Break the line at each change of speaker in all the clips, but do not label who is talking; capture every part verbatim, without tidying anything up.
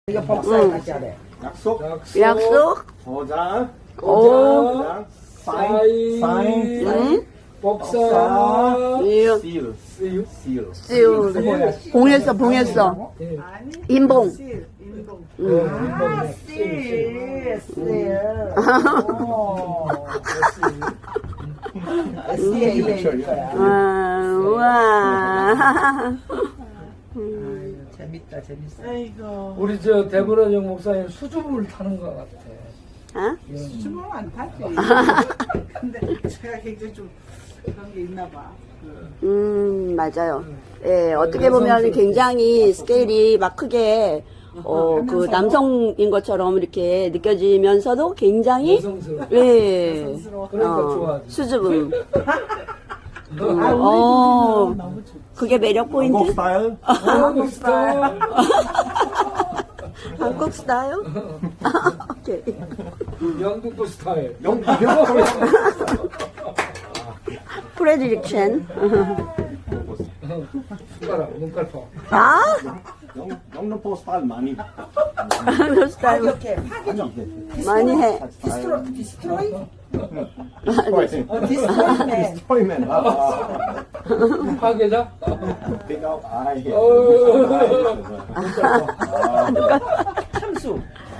이거 복사해 같이 하래.
약속,
약속,
도장,
오,
도장, 사인,
사인,
사인,
응?
복사,
일,
seal,
seal.
seal.
sil, 봉했어, 봉했어.
예.
인봉.
어,
아,
seal,
씨, 씨. 오. 씨에 이럴 거야.
아, 우와.
아유, 재밌다, 재밌어. 아이고.
우리 저 대보라정 목사님 수줍음을 타는 것 같아.
어?
수줍으면 안 타지. 근데 제가 굉장히 좀 그런 게 있나 봐.
음, 맞아요. 예, 어떻게 보면 굉장히 스케일이 막 크게, 어, 그 남성인 것처럼 이렇게 느껴지면서도 굉장히,
여성스러워.
예,
그러니까
어,
좋아하지.
수줍음.
아,
음,
우리
어,
집이 너무 좋
그게 매력
한국
포인트?
스타일?
한국 스타일.
한국 스타일? 오케이.
영국도 스타일.
영국
프레디릭션.
숟가락, 눈깔파.
아?
영- 영등포 스타일 많이
한국 스타일
이렇게 파괴
아니
많이 해.
디스트로 디스트로이
디스트로이
어 디스트로이맨
디스트로이맨 아
파괴자?
pick up eye
참수.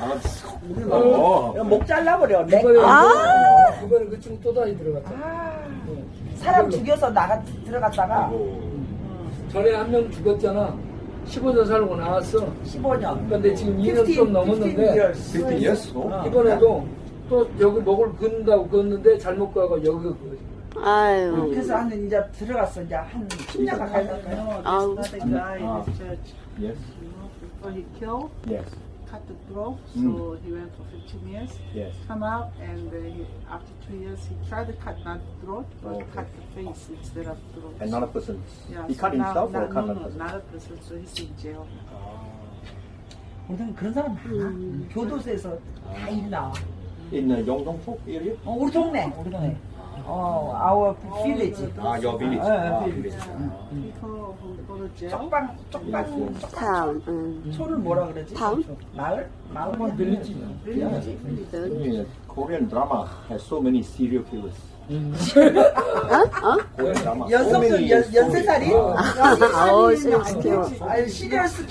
어
목 잘라버려. 내
이번에,
아.
이번에 그 친구 또 다시 들어갔다.
아, 사람 죽여서 나가 들어갔다가
전에 한 명 죽었잖아. 십오 년 살고 나왔어.
십오 년.
근데 지금 이 년 좀 넘었는데
fifty years 어?
이번에도 또 여기 목을 긋는다고 긋는데 잘못 가고 여기 그
아유.
그래서 한 이제 들어갔어. 이제 한 십 년 가까이 됐어요.
아우.
아. yes
Before he killed,
yes
cut the throat, so
Mm.
he went for fifteen years.
yes
Come out, and uh, he, after two years, he tried to cut not the throat, but
Okay.
cut the face instead of throat.
another person
Yeah,
he
so
cut
now-
himself or
now-
cut
no,
another
no,
person
not a person, so he's in jail.
우리는 그런 사람 많아. 교도소에서 다 일 나와.
in the 영등포 area
어, 우리 동네, 우리 동네. 어, our village.
ah your village
어,
ah
village.
village
People who go to jail,
쪽방, 쪽방.
타운. 응.
초를 뭐라 그러지?
타운?
마을? 마을?
한번 빌리지.
빌리지.
Yeah, Korean drama has so many serial killers.
어? 어?
Korean drama. so
연속도
many
연,
stories.
연쇄살인?
아우, serial killer.
아유, 시리얼스